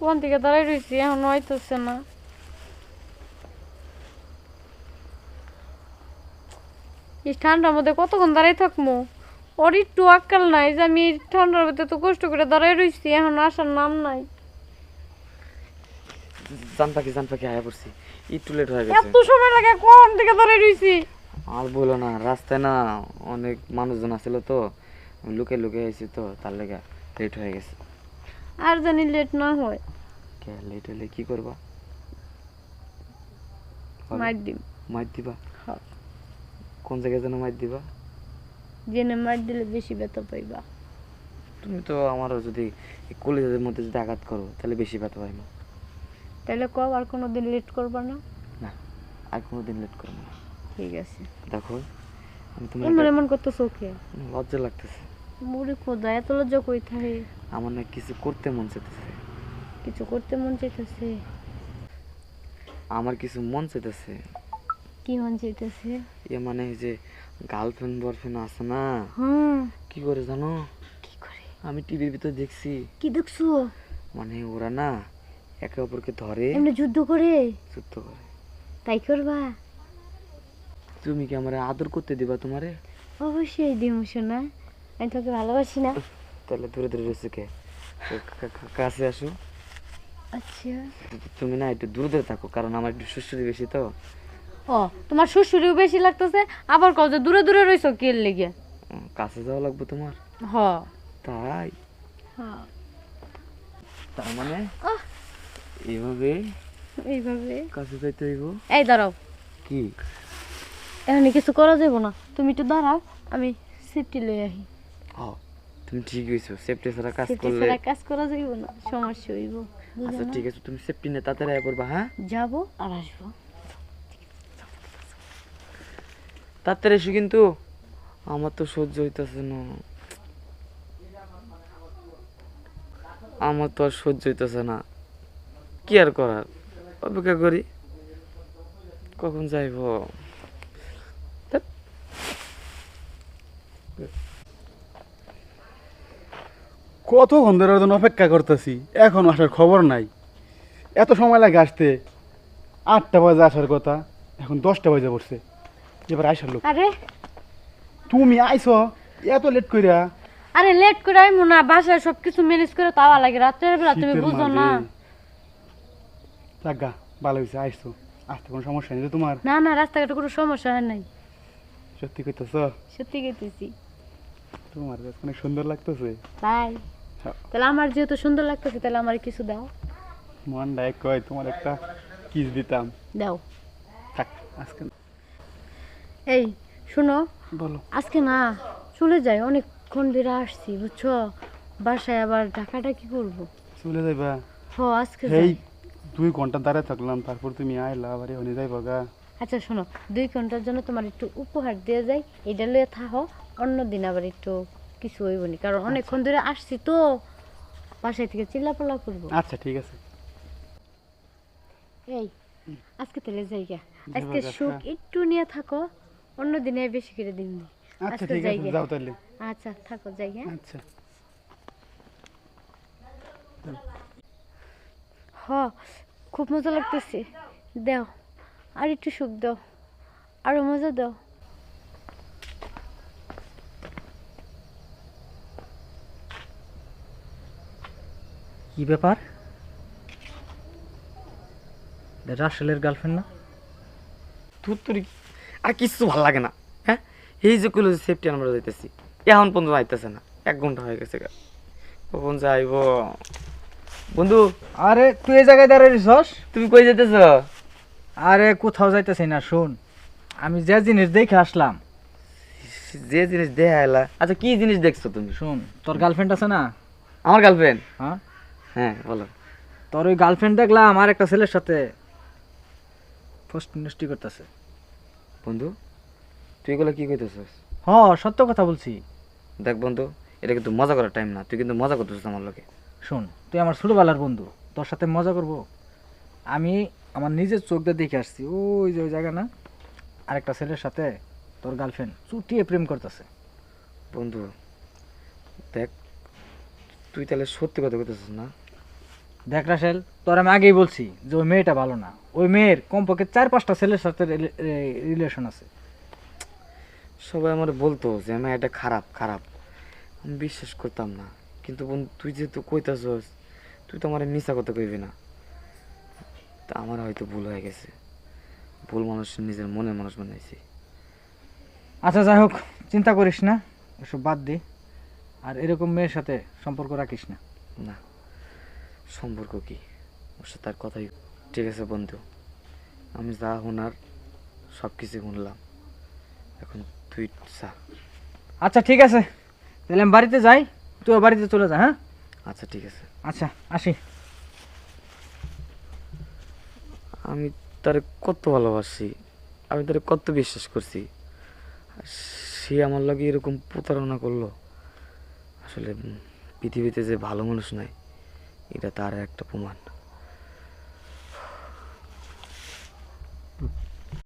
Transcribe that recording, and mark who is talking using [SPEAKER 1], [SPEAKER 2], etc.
[SPEAKER 1] কোন দিকে দাঁড়াই রয়েছি এখন হইতেছে না। এই ঠান্ডার মধ্যে কতক্ষণ দাঁড়াই থাকবো? ওর একটু আক্কাল নাই যে আমি ঠান্ডার মধ্যে তো কষ্ট করে দাঁড়াই রয়েছি, এখন আসার নাম নাই।
[SPEAKER 2] জান পাখি আয়া পড়ছি, একটু লেট হয়ে গেছে।
[SPEAKER 1] এত সময় লাগে কোন দিকে দাঁড়াই রয়েছি?
[SPEAKER 2] আর বলো না, রাস্তায় না অনেক মানুষজন আছিল তো, আমি লুকে আইছি তো, তার লেগে লেট হয়ে গেছে।
[SPEAKER 1] আর জানি লেট না হয়।
[SPEAKER 2] কে লেট হলে কি করবা?
[SPEAKER 1] মার দিম।
[SPEAKER 2] মাইর দিবা?
[SPEAKER 1] হ্যাঁ।
[SPEAKER 2] কোন জায়গায় যেন মাইর দিবা?
[SPEAKER 1] জেনে মার দিলে বেশি ব্যথা পাইবা।
[SPEAKER 2] তুমি তো আমারও যদি কলেজের মধ্যে যদি আঘাত করো তাহলে বেশি ব্যথা পাই না।
[SPEAKER 1] তাহলে কও আর কোনোদিন লেট করবা না।
[SPEAKER 2] না, আর কোনোদিন লেট করবো না।
[SPEAKER 1] ঠিক আছে।
[SPEAKER 2] দেখো আমি তোমার
[SPEAKER 1] এমন এমন করতো চোখে।
[SPEAKER 2] লজ্জা লাগতেছে।
[SPEAKER 1] মুড়ি খোদা এত লজ্জা কই থাকে?
[SPEAKER 2] আমার না কিছু করতে মন চাইতেছে।
[SPEAKER 1] কিছু করতে মন চাইতেছে?
[SPEAKER 2] আমার কিছু মন চাইতেছে।
[SPEAKER 1] কি মন চাইতেছে?
[SPEAKER 2] এ মানে এই যে গার্লফ্রেন্ড বয়ফ্রেন্ড আছে না,
[SPEAKER 1] হুম।
[SPEAKER 2] কি করে জানো?
[SPEAKER 1] কি করে?
[SPEAKER 2] আমি টিভির ভিতর দেখছি,
[SPEAKER 1] কি দেখছো?
[SPEAKER 2] মানে ওরা না একে অপরকে ধরে
[SPEAKER 1] এমনি যুদ্ধ করে?
[SPEAKER 2] যুদ্ধ করে।
[SPEAKER 1] তাই করবা?
[SPEAKER 2] তুমি কি আমার আদর করতে দিবা তোমারে?
[SPEAKER 1] অবশ্যই দিম শোনা, আমি তোকে ভালোবাসি না।
[SPEAKER 2] তাহলে দূরে দূরে রয়েছে কে? কাছে আসো।
[SPEAKER 1] আচ্ছা।
[SPEAKER 2] তুমি না একটু দূরে দূরে থাকো, কারণ আমার একটু সুস্থি বেশি তো।
[SPEAKER 1] ও তোমার শ্বশুরিও বেশি লাগতেছে, আবার কও যে দূরে দূরে রইছো কি এর লেগে?
[SPEAKER 2] কাছে যাওয়া লাগবে তোমার?
[SPEAKER 1] হ।
[SPEAKER 2] তাই?
[SPEAKER 1] হ্যাঁ।
[SPEAKER 2] তার মানে
[SPEAKER 1] আহ,
[SPEAKER 2] এইভাবে
[SPEAKER 1] এইভাবে
[SPEAKER 2] কাছে যাইতে হইব?
[SPEAKER 1] এই দাঁড়াও,
[SPEAKER 2] কি?
[SPEAKER 1] এখন কিছু করা যাবে না, তুমি একটু দাঁড়াও, আমি সেফটি লই আহি।
[SPEAKER 2] তুমি ঠিক হইছো, সেফটি ছাড়া কাজ
[SPEAKER 1] সেফটি
[SPEAKER 2] করলে।
[SPEAKER 1] ছাড়া কাজ করা যাইব না, সমস্যা হইব।
[SPEAKER 2] আচ্ছা ঠিক আছে, তুমি সেফটি নিয়ে তাড়াতাড়ি আয়া পড়বা। হ্যাঁ,
[SPEAKER 1] যাবো আর আসবো।
[SPEAKER 2] তাড়াতাড়ি এসো কিন্তু, আমার তো সহ্য হইতেছে না। আমার তো আর সহ্য হইতেছে না, কি আর করার, অপেক্ষা করি কখন যাইব।
[SPEAKER 3] কতক্ষণ ধরে ওর জন্য অপেক্ষা করতেছি, এখন আসার খবর নাই। এত সময় লাগে আসতে, 8টা বাজে আসার কথা, এখন 10টা বাজে পড়ছে। এবার আইসার লোক।
[SPEAKER 1] আরে
[SPEAKER 3] তুমি আইছো এত লেট কইরা?
[SPEAKER 1] আরে লেট করে আইমু না, বাসায় সবকিছু ম্যানেজ করে তাওয়া লাগে, রাতের বেলা তুমি
[SPEAKER 3] শীতের
[SPEAKER 1] বুঝো
[SPEAKER 3] মাঝে।
[SPEAKER 1] না।
[SPEAKER 3] লাগা ভালো হয়েছে আইসো, আসতে কোনো সমস্যা নেই তো তোমার?
[SPEAKER 1] না না, রাস্তাঘাটে কোনো সমস্যা হয় নাই।
[SPEAKER 3] সত্যি কইতেছ?
[SPEAKER 1] সত্যি গেতেছি।
[SPEAKER 3] তোমার কাছে অনেক সুন্দর লাগতেছে।
[SPEAKER 1] তাই?
[SPEAKER 3] হ্যাঁ।
[SPEAKER 1] তাহলে আমার যেহেতু সুন্দর লাগতেছে, তাহলে আমার কিছু দাও।
[SPEAKER 3] মন ডাইক কয় তোমার একটা কিস দিতাম।
[SPEAKER 1] দাও।
[SPEAKER 3] থাক আজকে।
[SPEAKER 1] এই শোনো,
[SPEAKER 3] বলো।
[SPEAKER 1] আজকে না চলে যাই, অনেকক্ষণ ধরে আসছি বুঝছো, বাসায় আবার ঢাকাটা কি করবো।
[SPEAKER 3] চলে যাইবা?
[SPEAKER 1] হ আজকে
[SPEAKER 3] এই
[SPEAKER 1] যাই।
[SPEAKER 3] 2 ঘন্টা দাঁড়ায় থাকলাম, তারপর তুমি আইলা আবার এখানে যাইবা গা।
[SPEAKER 1] আচ্ছা শোনো, 2 ঘন্টার জন্য তোমার একটু উপহার দিয়ে যাই, এটা লয়ে থাকো, অন্যদিন আবার একটু কিছু হইবনি, কারণ অনেকক্ষণ ধরে আসছি তো, বাসায় থেকে চিল্লাপাল্লা করবো।
[SPEAKER 3] আচ্ছা ঠিক আছে।
[SPEAKER 1] এই আজকে তাহলে যাই গা,
[SPEAKER 3] যাবা
[SPEAKER 1] আজকে
[SPEAKER 3] গা,
[SPEAKER 1] সুখ
[SPEAKER 3] হ্যাঁ।
[SPEAKER 1] একটু নিয়ে থাকো, অন্যদিনে বেশি করে দিন।
[SPEAKER 3] আচ্ছা
[SPEAKER 1] আজকে
[SPEAKER 3] ঠিক
[SPEAKER 1] যাই
[SPEAKER 3] আছে,
[SPEAKER 1] গে।
[SPEAKER 3] যাও তাহলে।
[SPEAKER 1] আচ্ছা থাকো, যাই হ্যাঁ।
[SPEAKER 3] আচ্ছা।
[SPEAKER 1] হ খুব মজা লাগতেছে, দাও আর একটু সুখ দাও, আরো মজা দাও।
[SPEAKER 4] কি ব্যাপার? রাসেলের গার্লফ্রেন্ড না?
[SPEAKER 2] তুই তোর আর কিচ্ছু ভালো লাগে না। হ্যাঁ, এই যে কইলো সেফটি আমরা যাইতেছি, এখন পর্যন্ত আইতেছে না, 1 ঘন্টা হয়ে গেছে। কখন যাইব বন্ধু?
[SPEAKER 4] আরে তুই এই জায়গায় দাঁড়িয়ে রইছস?
[SPEAKER 2] তুমি কই যাইতেছ?
[SPEAKER 4] আরে কোথাও যাইতেছি না, শোন, আমি যে জিনিস দেখে আসলাম।
[SPEAKER 2] যে জিনিস দেখা এলা? আচ্ছা কি জিনিস দেখছো তুমি?
[SPEAKER 4] শোন, তোর গার্লফ্রেন্ড আছে না?
[SPEAKER 2] আমার গার্লফ্রেন্ড?
[SPEAKER 4] হ্যাঁ,
[SPEAKER 2] হ্যাঁ বলো।
[SPEAKER 4] তোর ওই গার্লফ্রেন্ড দেখলাম আর একটা ছেলের সাথে ফার্স্ট মিনিস্ট্রি করতেছে।
[SPEAKER 2] বন্ধু তুই এগুলো কি কইতেছিস?
[SPEAKER 4] হ, সত্য কথা বলছি।
[SPEAKER 2] দেখ বন্ধু, এটা কিন্তু মজা করার টাইম না, তুই কিন্তু মজা করতেছিস আমার লোকে।
[SPEAKER 4] শোন, তুই আমার ছোটবেলার বন্ধু, তোর সাথে মজা করব? আমি আমার নিজের চোখ দিয়ে দেখে আসছি, ওই যে ওই জায়গা না, আরেকটা ছেলের সাথে তোর গার্লফ্রেন্ড চুটিয়ে প্রেম করতেছে।
[SPEAKER 2] বন্ধু দেখ, তুই তাহলে সত্যি কথা কইতেছিস না?
[SPEAKER 4] দেখ রাসেল, তোর আমি আগেই বলছি যে ওই মেয়েটা ভালো না। ওই মেয়ের কমপক্ষে 4-5টা ছেলের সাথে রিলেশন আছে।
[SPEAKER 2] সবাই আমার বলতো যে আমি এটা খারাপ খারাপ, আমি বিশ্বাস করতাম না। কিন্তু বন্ধু তুই যেহেতু কইতাছস, তুই তো আমার মিছা কথা কইবি না। তা আমার হয়তো ভুল হয়ে গেছে, ভুল মানুষ নিজের মনের মানুষ বানাইছি।
[SPEAKER 4] আচ্ছা যাই হোক, চিন্তা করিস না, এসব বাদ দে। আর এরকম মেয়ের সাথে সম্পর্ক রাখিস না।
[SPEAKER 2] না, সম্পর্ক কি, ওর সাথে আর কথাই। ঠিক আছে বন্ধু, আমি যা শোনার সব কিছু শুনলাম, এখন তুই যা।
[SPEAKER 4] আচ্ছা ঠিক আছে, তাহলে আমি বাড়িতে যাই, তুইও বাড়িতে চলে যা। হ্যাঁ
[SPEAKER 2] আচ্ছা ঠিক আছে।
[SPEAKER 4] আচ্ছা, আসি।
[SPEAKER 2] আমি তারে কত ভালোবাসি, আমি তারে কত বিশ্বাস করছি, আর সে আমার লগে এরকম প্রতারণা করলো। আসলে পৃথিবীতে যে ভালো মানুষ নাই, এটা তার একটা প্রমাণ।